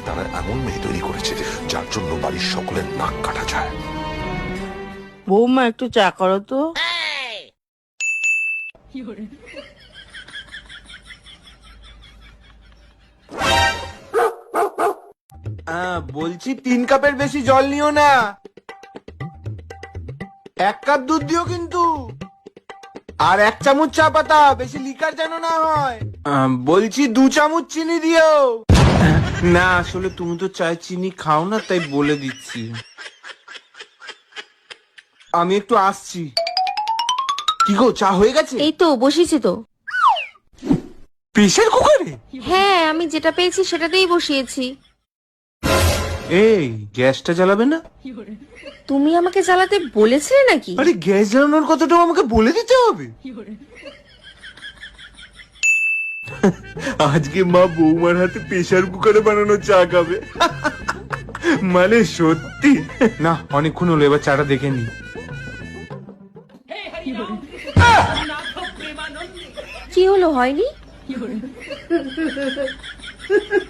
তারা এমন মেয়ে তৈরি করেছে যার জন্য বাড়ির সকলের নাক কাটা যায়। বৌমা একটু চা করো তো। বলছি 3 কাপের বেশি জল নিও না, 1 কাপ দুধ দিও কিন্তু, আর 1 চামচ চা পাতা, বেশি লিকার যেন না হয়। বলছি 2 চামচ চিনি দিও। না আসলে তুমি তো চায় চিনি খাও না, তাই বলে দিচ্ছি। আমি একটু আসছি। কি গো, চা হয়ে গেছে? এই তো বসিয়েছি তো। প্রেসার কুকারে? হ্যাঁ, আমি যেটা পেয়েছি সেটাতেই বসিয়েছি। এই গ্যাসটা জ্বালাবে না? তুমি আমাকে জ্বালাতে বলেছিলে নাকি? আরে গ্যাস জ্বালানোর কথাটাও আমাকে বলে দিতে হবে? আজকে মা বৌমার হাতে প্রেসার কুকারে বানানো চা খাবে। মানে সত্যি না, অনেকক্ষণ হলো, এবার চাটা দেখে নি। কি হলো, হয়নি?